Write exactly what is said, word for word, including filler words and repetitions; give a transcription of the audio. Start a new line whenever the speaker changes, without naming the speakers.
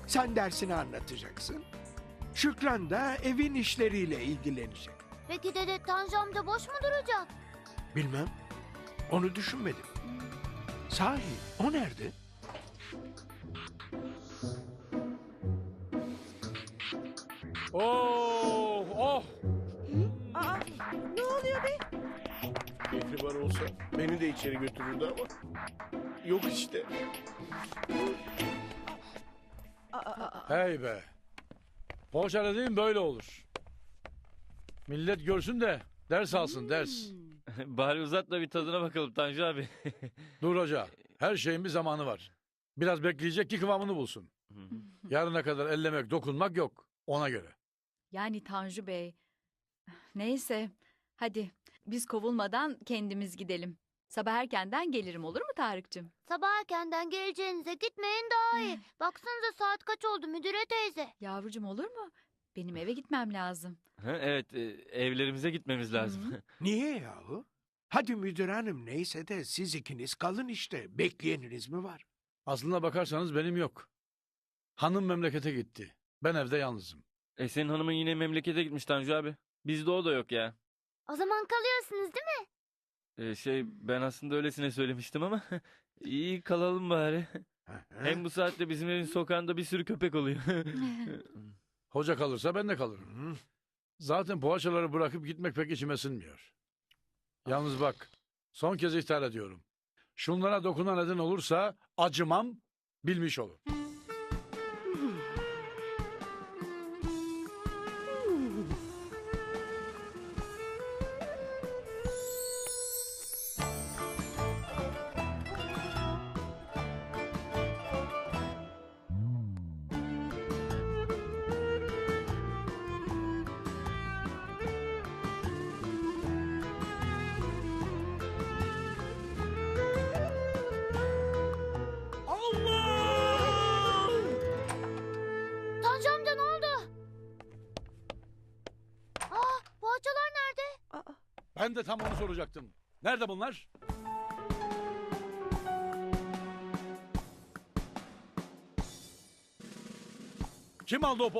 Sen dersini anlatacaksın. Şükran da evin işleriyle ilgilenecek.
Peki dede Tanju amca boş mu duracak?
Bilmem. Onu düşünmedim. Sahi o nerede?
Oh, oh.
Aa, ne oluyor be?
Keyfi var olsa beni de içeri götürürdü ama yok işte.
Aa, aa,
Hey be. Poğaça dediğin böyle olur. Millet görsün de ders alsın ders.
Bari uzat da bir tadına bakalım Tanju abi.
Dur hoca. Her şeyin bir zamanı var. Biraz bekleyecek ki kıvamını bulsun. Yarına kadar ellemek, dokunmak yok. Ona göre.
Yani Tanju Bey. Neyse. Hadi biz kovulmadan kendimiz gidelim. Sabah erkenden gelirim, olur mu Tarık'cığım?
Sabah erkenden geleceğinize gitmeyin daha iyi. Baksanıza saat kaç oldu müdüre teyze.
Yavrucuğum, olur mu? Benim eve gitmem lazım.
Ha, evet, e, evlerimize gitmemiz lazım.
Niye yahu? Hadi müdür hanım neyse de siz ikiniz kalın işte. Bekleyeniniz mi var?
Aslına bakarsanız benim yok. Hanım memlekete gitti. Ben evde yalnızım.
E senin hanımın yine memlekete gitmiş Tanju abi. Bizde o da yok ya.
O zaman kalıyorsunuz değil mi?
E, şey ben aslında öylesine söylemiştim ama iyi kalalım bari. Hem bu saatte bizim evin sokağında bir sürü köpek oluyor.
Hoca kalırsa ben de kalırım.
Hı.
Zaten poğaçaları bırakıp gitmek pek içime sinmiyor. Yalnız bak, son kez ihtar ediyorum. Şunlara dokunan neden olursa acımam, bilmiş olun.
Tanju amca ne oldu? Aa poğaçalar nerede?
aa.
Ben de tam onu soracaktım. Nerede bunlar? Kim aldı o